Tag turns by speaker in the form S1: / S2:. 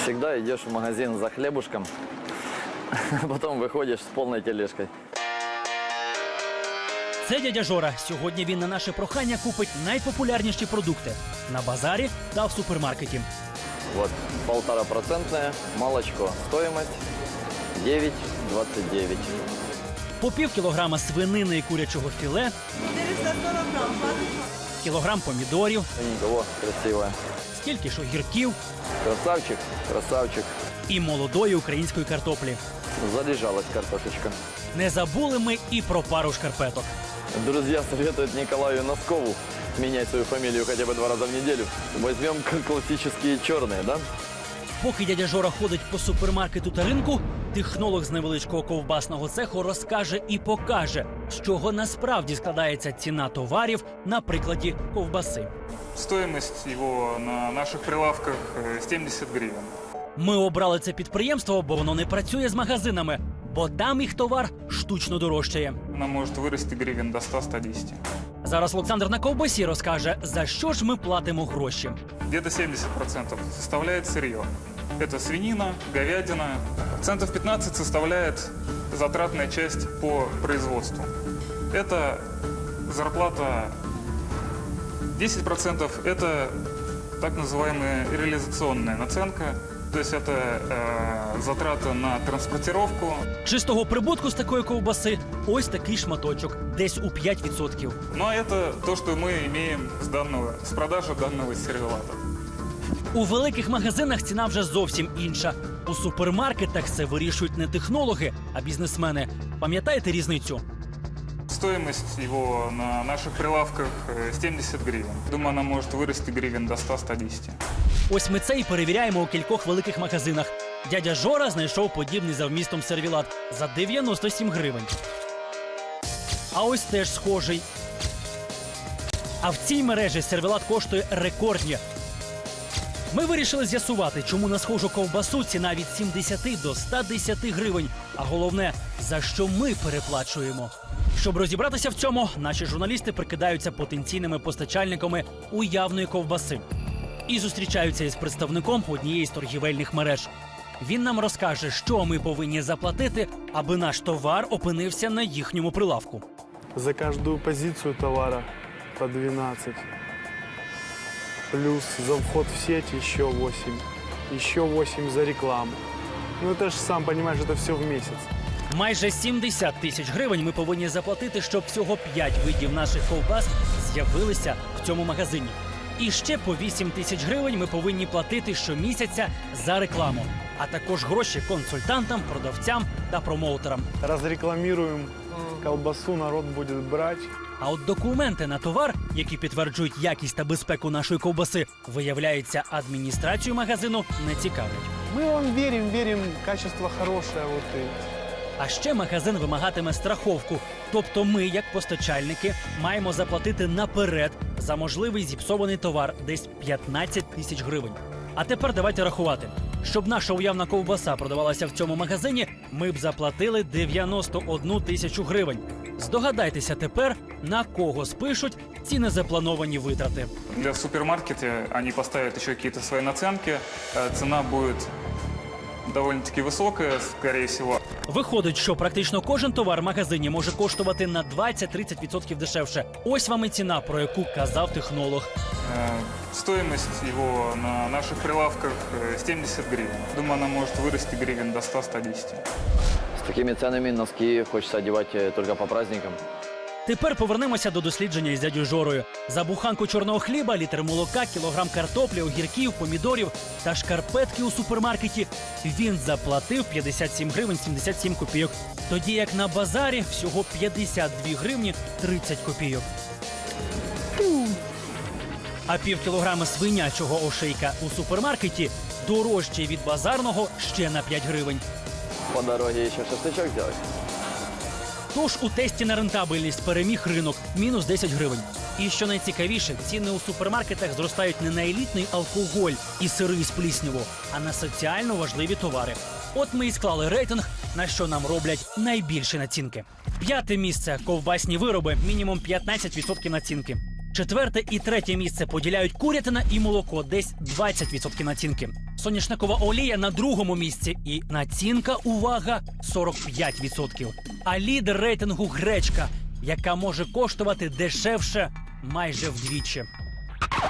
S1: Всегда идешь в магазин за хлебушком, а потом выходишь с полной тележкой.
S2: Це дядя Жора. Сьогодні він на наше прохання купить найпопулярніші продукти на базарі та в супермаркеті.
S1: Вот 1,5% молочко. Стоимость 9,29.
S2: По пів кілограма свинини і курячого філе,
S3: 440 грамм,
S2: кілограм помідорів,
S1: О, красивая.
S2: стільки ж огірків
S1: Красавчик, красавчик.
S2: і молодої української картоплі.
S1: Залежалась картошечка.
S2: Не забули ми і про пару шкарпеток.
S1: Друзья советуют Николаю Носкову менять свою фамилию хотя бы 2 раза в неделю. Возьмем классические черные, да?
S2: Поки дядя Жора ходить по супермаркету та ринку, технолог з невеличкого ковбасного цеху розкаже і покаже, з чого насправді складається ціна товарів на прикладі ковбаси.
S4: Стоимость его на наших прилавках 70 гривен.
S2: Ми обрали це підприємство, бо воно не працює з магазинами, бо там їх товар штучно дорожчає.
S4: Она может вырасти гривен до 100-110.
S2: Зараз Олександр на ковбасі розкаже, за що ж ми платимо гроші.
S4: Где-то 70% составляет сырье. Это свинина, говядина. Процентов 15 составляет затратная часть по производству. Это зарплата 10% это так называемая реализационная наценка. То есть это затрата на транспортировку.
S2: Чистого прибутку з такої ковбаси ось такий шматочок, десь у 5%.
S4: Ну а это то, что мы имеем с продажи данного сервелата.
S2: У великих магазинах ціна вже зовсім інша. У супермаркетах це вирішують не технологи, а бізнесмени. Пам'ятаєте різницю?
S4: Стоимость его на наших прилавках 70 гривен. Думаю, она может вырасти гривен до 100-110.
S2: Ось ми це і перевіряємо у кількох великих магазинах. Дядя Жора знайшов подібний за вмістом сервілат за 97 гривень. А ось теж схожий. А в цій мережі сервілат коштує рекордні. Ми вирішили з'ясувати, чому на схожу ковбасу ціна від 70 до 110 гривень. А головне, за що ми переплачуємо. Щоб розібратися в цьому, наші журналісти прикидаються потенційними постачальниками уявної ковбаси. І зустрічаються із представником однієї з торгівельних мереж. Він нам розкаже, що ми повинні заплатити, аби наш товар опинився на їхньому прилавку.
S5: За каждую позицию товара по 12. Плюс за вход в сеть еще 8. Еще 8 за рекламу. Ну это же, сам понимаешь, это все в месяц.
S2: Майже 70 тисяч гривень ми повинні заплатити, щоб всього 5 видів наших ковбас з'явилися в цьому магазині. І ще по 8 тисяч гривень ми повинні платити щомісяця за рекламу, а також гроші консультантам, продавцям та промоутерам.
S5: Разрекламируем колбасу, народ будет брать.
S2: А от документи на товар, які підтверджують якість та безпеку нашої ковбаси, виявляється, адміністрацію магазину не цікавлять.
S5: Мы вам верим, качество хорошее. Вот и...
S2: А ще магазин вимагатиме страховку. Тобто ми, як постачальники, маємо заплатити наперед за можливий зіпсований товар десь 15 тисяч гривень. А тепер давайте рахувати. Щоб наша уявна ковбаса продавалася в цьому магазині, ми б заплатили 91 тисячу гривень. Здогадайтеся тепер, на кого спишуть ці незаплановані витрати.
S4: Для супермаркета они поставят еще какие-то свои наценки. Цена будет довольно-таки высокая, скорее всего.
S2: Виходить, що практично кожен товар в магазині може коштувати на 20-30% дешевше. Ось вам і ціна, про яку казав технолог.
S4: Стоимость его на наших прилавках 70 гривен. Думаю, она может вырасти гривен до 100-110.
S1: С такими ценами носки хочется одевать только по праздникам.
S2: Тепер повернемося до дослідження із дядю Жорою. За буханку чорного хліба, літр молока, кілограм картоплі, огірків, помідорів та шкарпетки у супермаркеті він заплатив 57 гривень 77 копійок. Тоді як на базарі всього 52 гривні 30 копійок. А пів кілограма свинячого ошейка у супермаркеті дорожчий від базарного ще на 5 гривень.
S1: По дороге еще шашлычок сделать.
S2: Тож у тесті на рентабельність переміг ринок – мінус 10 гривень. І що найцікавіше, ціни у супермаркетах зростають не на елітний алкоголь і сири з плісняву, а на соціально важливі товари. От ми і склали рейтинг, на що нам роблять найбільші націнки. 5-те місце – ковбасні вироби, мінімум 15% націнки. 4-те і 3-те місце поділяють курятина і молоко, десь 20% націнки. Соняшникова олія на другому місці і націнка, увага, 45%. А лідер рейтингу гречка, яка може коштувати дешевше майже вдвічі.